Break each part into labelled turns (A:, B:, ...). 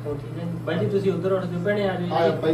A: ठीक है भाई जी ਤੁਸੀਂ ਉਧਰ ਉੱਠ ਜਾਓ ਭੈਣੇ ਆ ਜਾਓ
B: ਆ ਬਾਈ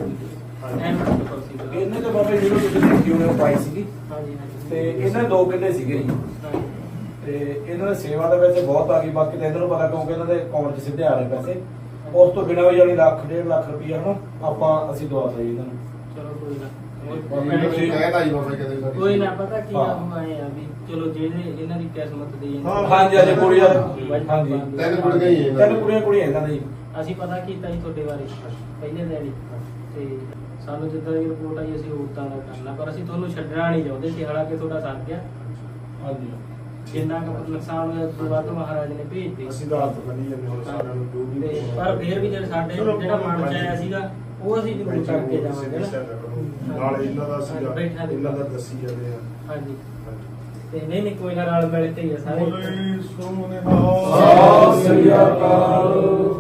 C: ਇਹਨੇ ਤਾਂ ਬਾਬਾ ਜੀ ਨੂੰ ਤੁਸੀਂ ਦੇਖੀ ਉਹਨੇ ਪਾਈ ਸੀਗੀ
A: ਹਾਂਜੀ ਹਾਂਜੀ
C: ਤੇ ਇਹਨਾਂ ਦੇ 2 ਕਿੱਲੇ ਸੀਗੇ ਜੀ ਤੇ ਇਹਨਾਂ ਦੀ ਸੇਵਾ ਦੇ ਵਿੱਚ ਬਹੁਤ ਆ ਗਈ। ਬਾਕੀ ਤਾਂ ਇਹਨਾਂ ਨੂੰ ਪਤਾ ਕਿਉਂਕਿ ਇਹਨਾਂ ਦੇ ਅਕਾਊਂਟ 'ਚ ਸਿੱਧੇ ਆ ਰਹੇ ਪੈਸੇ। ਉਸ ਤੋਂ ਬਿਨਾਂ ਵੀ ਜਾਨੀ ਲੱਖ 1.5 ਲੱਖ ਰੁਪਈਆ ਹਨਾ ਆਪਾਂ ਅਸੀਂ ਦਵਾ ਦਈਏ ਇਹਨਾਂ ਨੂੰ।
A: ਚਲੋ ਕੋਈ ਨਾ
B: ਕਹਿਤਾ ਜੀ ਬਾਬਾ ਕਦੇ ਸਾਡੀ
A: ਕੋਈ ਨਾ ਪਤਾ ਕੀ ਆ ਆਏ ਆ ਵੀ ਚਲੋ ਜਿਹੜੇ ਇਹਨਾਂ ਦੀ ਕਿਸਮਤ ਦੀ
C: ਹਾਂਜੀ ਹਾਂਜੀ ਕੁੜੀਆਂ ਹਾਂਜੀ
B: ਤਿੰਨ ਕੁੜੀਆਂ ਹੀ ਇਹਨਾਂ
C: ਤਿੰਨ ਕੁੜੀਆਂ ਇਹਨਾਂ ਦੀ।
A: ਅਸੀਂ ਪਤਾ ਕੀਤਾ ਜੀ ਤੁਹਾਡੇ ਬਾਰੇ ਪਹਿਲੇ ਦਿਨ ਹੀ ਤੇ ਸਾਨੂੰ ਜਿੱਦਾਂ ਦੀ ਰਿਪੋਰਟ ਆਈ ਅਸੀਂ ਉਦਾਂ ਦਾ ਕਰਨਾ ਪਰ ਅਸੀਂ ਤੁਹਾਨੂੰ ਛੱਡਣਾ ਨਹੀਂ ਚਾਹੁੰਦੇ ਸੀ। ਹਾਲਾਂਕਿ ਤੁਹਾਡਾ ਸਰ ਗਿਆ
C: ਹਾਂਜੀ
A: ਜਿੰਨਾ ਕੁ ਨੁਕਸਾਨ ਹੋਇਆ ਉਸ ਤੋਂ ਬਾਅਦ ਮਹਾਰਾਜ ਨੇ ਭੇਜ ਦਿੱਤੇ
D: ਅਸੀਂ ਤਾਂ ਹੱਥ ਬੰਨੀ ਜਾਂਦੇ ਹੁਣ ਸਾਰਿਆਂ ਨੂੰ ਜੋ ਵੀ
A: ਤੇ ਪਰ ਫਿਰ ਵੀ ਸਾਡੇ ਜਿਹੜਾ ਮਨ ਚ ਆਇਆ ਸੀਗਾ ਉਹ ਅਸੀਂ ਜ਼ਰੂਰ ਕਰਕੇ ਜਾਵਾਂਗੇ ਨਾ।
D: ਨਾਲ ਇਹਨਾਂ ਦਾ ਸੀਗਾ
A: ਬੈਠਾ ਦੇ।
D: ਇਹਨਾਂ ਦਾ ਦੱਸੀ ਜਾਂਦੇ ਆ।
A: ਹਾਂਜੀ ਤੇ ਨਹੀਂ ਕੋਈ ਨਾ ਰਲ ਮਿਲ ਕੇ ਹੀ ਆ ਸਾਰੇ।
D: ਬੋਲੇ ਸੋਨਿਹਾਲ
C: ਸਤਿ ਸ੍ਰੀ ਅਕਾਲ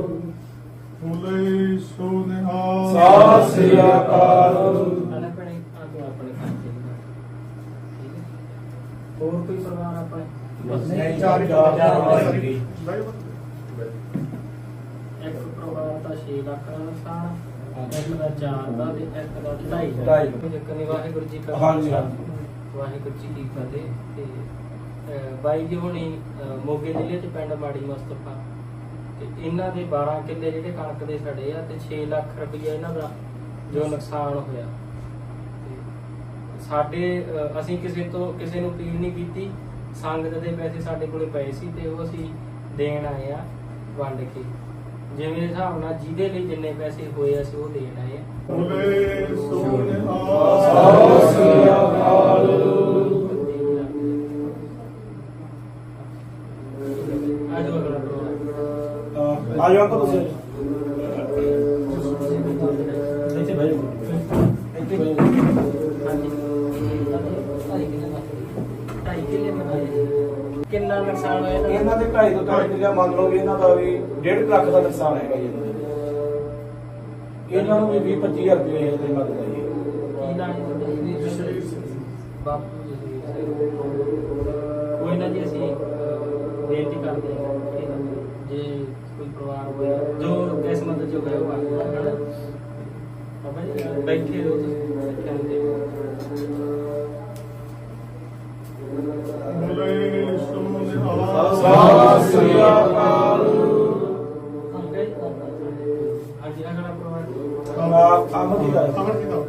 D: ਬੋਲੇ ਸੋਨਿਹਾਲ
C: ਸਤਿ ਸ੍ਰੀ ਅਕਾਲ।
A: ਆਲੇ ਭੈਣੇ ਆ ਤੂੰ ਆਪਣੇ ਘਰ ਚ ਠੀਕ ਹੈ। ਹੋਰ ਕੋਈ ਪਰਿਵਾਰ ਆਪਣੇ
C: ਨਹੀਂ ਚਾਰ ਲੱਗੀ।
A: ਇੱਕ ਪਰਿਵਾਰ ਦਾ 6 ਲੱਖ ਦਾ ਨੁਕਸਾਨ ਇੱਕ ਦਾ 4 ਦਾ ਤੇ ਇੱਕ ਦਾ 2.5
C: ਢਾਈ।
A: ਜਿੱਕਣੀ ਵਾਹਿਗੁਰੂ ਜੀ ਕਾ
C: ਹਾਂਜੀ,
A: ਖਾਲਸਾ,
C: ਹਾਂਜੀ।
A: ਵਾਹਿਗੁਰੂ ਜੀ ਕੀ ਫਤਿਹ। ਤੇ ਬਾਈ ਜੀ ਹੁਣੀ ਮੋਗੇ ਜ਼ਿਲ੍ਹੇ ਚ ਪਿੰਡ ਮਾੜੀ ਮੁਸਤਫਾ ਤੇ ਇਹਨਾਂ ਦੇ 12 ਕਿੱਲੇ ਜਿਹੜੇ ਕਣਕ ਦੇ ਸੜੇ ਆ ਤੇ 6 ਲੱਖ ਰੁਪਈਆ ਇਹਨਾਂ ਦਾ ਜੋ ਨੁਕਸਾਨ ਹੋਇਆ। ਤੇ ਸਾਡੇ ਅਸੀਂ ਕਿਸੇ ਨੂੰ ਅਪੀਲ ਨਹੀਂ ਕੀਤੀ। ਸੰਗਤ ਦੇ ਪੈਸੇ ਸਾਡੇ ਕੋਲੇ ਪਏ ਸੀ ਤੇ ਉਹ ਅਸੀਂ ਦੇਣ ਆਏ ਆ ਵੰਡ ਕੇ ਜਿਵੇਂ ਹਿਸਾਬ ਨਾਲ ਜਿਹਦੇ ਲਈ ਜਿੰਨੇ ਪੈਸੇ ਹੋਏ ਅਸੀਂ ਉਹ ਦੇਣ ਆਏ ਆ।
D: ਬੋਲੇ ਸੋਨਿਹਾਲ
C: ਸਤਿ ਸ੍ਰੀ ਅਕਾਲ।
A: ਅੱਜ ਅਗਲਾ ਪ੍ਰੋਗਰਾਮ
C: ਆ ਜਾਓ ਅੰਕਲ ਤੁਸੀਂ ਇੱਥੇ ਬਹਿ ਜਾਓ। ਇੱਥੇ ਬਹਿ ਜਾਓ।
A: ਹਾਂਜੀ 2.5 ਕਿੱਲੇ ਬਣਾਏ। ਕਿੰਨਾ ਨੁਕਸਾਨ ਹੋਇਆ
C: ਇਹਨਾਂ ਦੇ 2.5 ਤੋਂ 3 ਕਿੱਲੇ ਮੰਨ ਲਓ ਵੀ ਇਹਨਾਂ ਦਾ ਵੀ 1.5 ਲੱਖ ਦਾ ਨੁਕਸਾਨ ਹੈਗਾ ਜੀ ਇਹਨਾਂ ਦੇ। ਇਹਨਾਂ ਨੂੰ ਵੀ 20-25 ਹਜ਼ਾਰ ਰੁਪਏ ਦੇ ਲੱਗਦਾ ਜੀ।
A: ਕੀ ਨਾਂ ਹੈ ਤੁਹਾਡਾ? ਬਾਪੂ ਜੀ ਕੋਈ ਨਾ ਜੀ ਅਸੀਂ ਬੇਨਤੀ ਕਰਦੇ ਹਾਂ ਕਿ ਜੇ ਕੋਈ ਪਰਿਵਾਰ ਹੋਇਆ ਜੋ ਕਿਸਮਤ ਚ ਹੋਇਆ ਉਹ ਆਖਣਾ ਬਾਬਾ ਜੀ ਬੈਠੇ ਰਹੋ ਤੁਸੀਂ ਕਹਿੰਦੇ
D: ਬੋਲੇ ਸੋਨਿਹਾਲ
C: ਸਤਿ ਸ੍ਰੀ ਅਕਾਲ।
A: ਹਾਂਜੀ ਅਗਲਾ ਪਰਿਵਾਰ
C: ਕੰਮ ਕੀ ਦਾ
D: ਖਬਰ ਕਿਦਾਂ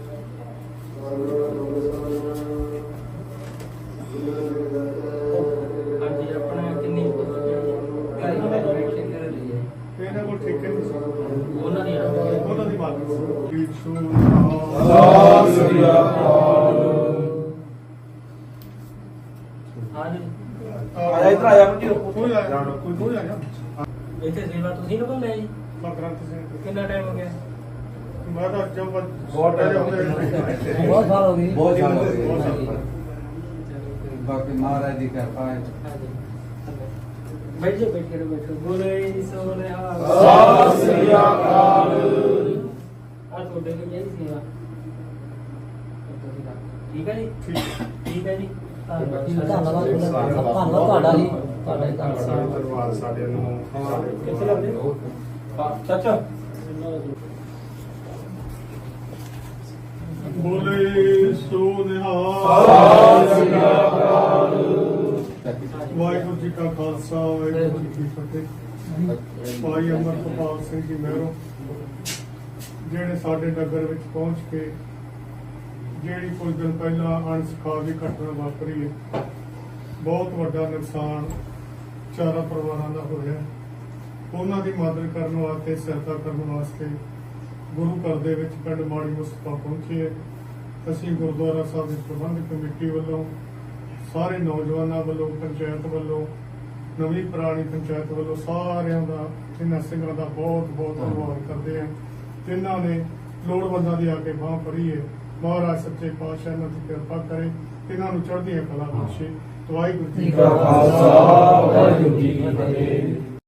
A: ਹਾਂਜੀ ਆਪਣਾ ਕਿੰਨੀ
D: ਇਹਨਾਂ ਕੋਲ ਠੇਕੇ ਨਹੀਂ ਸੀ
A: ਉਹਨਾਂ ਦੀ
D: ਉਹਨਾਂ ਦੀ ਮਾਲਕ ਸੀ। ਬੋਲੇ ਸੋਨਿਹਾਲ
C: ਸਤਿ ਸ੍ਰੀ ਅਕਾਲ।
A: ਹਾਂਜੀ
C: ਆਇਆ ਇੱਧਰ ਆਇਆ ਮੁੰਡੀ
D: ਕੋਈ ਆ ਜਾਣਾ ਕੋਈ ਆ ਜਾ
A: ਇੱਥੇ ਸੇਵਾ ਤੁਸੀਂ ਨਿਭਾਉਂਦੇ ਜੀ
D: ਮਕਰੰਤ ਸਿੰਘ
A: ਕਿੰਨਾ ਟਾਈਮ ਹੋ ਗਿਆ?
D: ਮੈਂ ਤਾਂ ਜਬ
C: ਬਹੁਤ time ਹੋ ਗਿਆ।
E: बहुत साल हो गई
C: ਬਹੁਤ
D: ਬਹੁਤ
C: ਜ਼ਿਆਦਾ
D: ਸਾਲ।
E: बाकी महाराज जी कृपा है
A: ਬੈਠੋ ਬੈਠੋ ਬੈਠੋ ਬੋਲੇ ਸੋਨਿਹਾਲ
C: ਸਤਿ ਸ੍ਰੀ ਅਕਾਲ।
A: ਆ ਤੁਹਾਡੇ ਲਈ ਕਿਹੜੀ ਸੇਵਾ ਠੀਕ ਹੈ ਜੀ ਠੀਕ ਹੈ ਜੀ
E: ਧੰਨਵਾਦ ਤੁਹਾਡਾ ਜੀ ਤੁਹਾਡਾ ਹੀ ਧੰਨਵਾਦ
D: ਸਾਡੇ ਪਰਿਵਾਰ ਸਾਡੇ ਨੂੰ
C: ਕਿੱਥੇ ਲੱਗਦੇ? ਚਾਚਾ
D: ਬੋਲੇ ਸੋਨਿਹਾਲ
C: ਸਤਿ ਸ੍ਰੀ ਅਕਾਲ।
D: ਵਾਹਿਗੁਰੂ ਜੀ ਕਾ ਖਾਲਸਾ ਵਾਹਿਗੁਰੂ ਜੀ ਕੀ ਫਤਿਹ। ਭਾਈ ਅਮਰਪਾਲ ਸਿੰਘ ਜੀ ਮਹਿਰੋਂ ਜਿਹੜੇ ਸਾਡੇ ਨਗਰ ਵਿੱਚ ਪਹੁੰਚ ਕੇ ਜਿਹੜੀ ਕੁਝ ਦਿਨ ਪਹਿਲਾਂ ਅਣਸੁਖਾਵੀ ਘਟਨਾ ਵਾਪਰੀ ਹੈ, ਬਹੁਤ ਵੱਡਾ ਨੁਕਸਾਨ ਚਾਰਾਂ ਪਰਿਵਾਰਾਂ ਦਾ ਹੋਇਆ। ਉਹਨਾਂ ਦੀ ਮਦਦ ਕਰਨ ਵਾਸਤੇ ਸਹਾਇਤਾ ਕਰਨ ਵਾਸਤੇ ਗੁਰੂ ਘਰ ਦੇ ਵਿੱਚ ਪਿੰਡ ਮਾੜੀ ਮੁਸਤਫਾ ਪਹੁੰਚੇ ਹੈ। ਅਸੀਂ ਗੁਰਦੁਆਰਾ ਸਾਹਿਬ ਦੀ ਪ੍ਰਬੰਧਕ ਕਮੇਟੀ ਵੱਲੋਂ ਸਾਰੇ ਨੌਜਵਾਨਾਂ ਵੱਲੋਂ ਪੰਚਾਇਤ ਵੱਲੋਂ ਨਵੀਂ ਪੁਰਾਣੀ ਪੰਚਾਇਤ ਵੱਲੋਂ ਸਾਰਿਆਂ ਦਾ ਇਹਨਾਂ ਸਿੰਘਾਂ ਦਾ ਬਹੁਤ ਬਹੁਤ ਧੰਨਵਾਦ ਕਰਦੇ ਹਾਂ ਜਿਨ੍ਹਾਂ ਨੇ ਲੋੜਵੰਦਾਂ ਦੀ ਆ ਕੇ ਬਾਂਹ ਫੜੀ ਹੈ। ਮਹਾਰਾਜ ਸੱਚੇ ਪਾਤਸ਼ਾਹ ਇਹਨਾਂ ਦੀ ਕਿਰਪਾ ਕਰੇ, ਇਹਨਾਂ ਨੂੰ ਚੜ੍ਹਦੀਆਂ ਕਲਾ ਬਖਸ਼ੇ। ਵਾਹਿਗੁਰੂ ਜੀ
C: ਕਾ ਖਾਲਸਾ ਵਾਹਿਗੁਰੂ ਜੀ ਕੀ ਫਤਿਹ।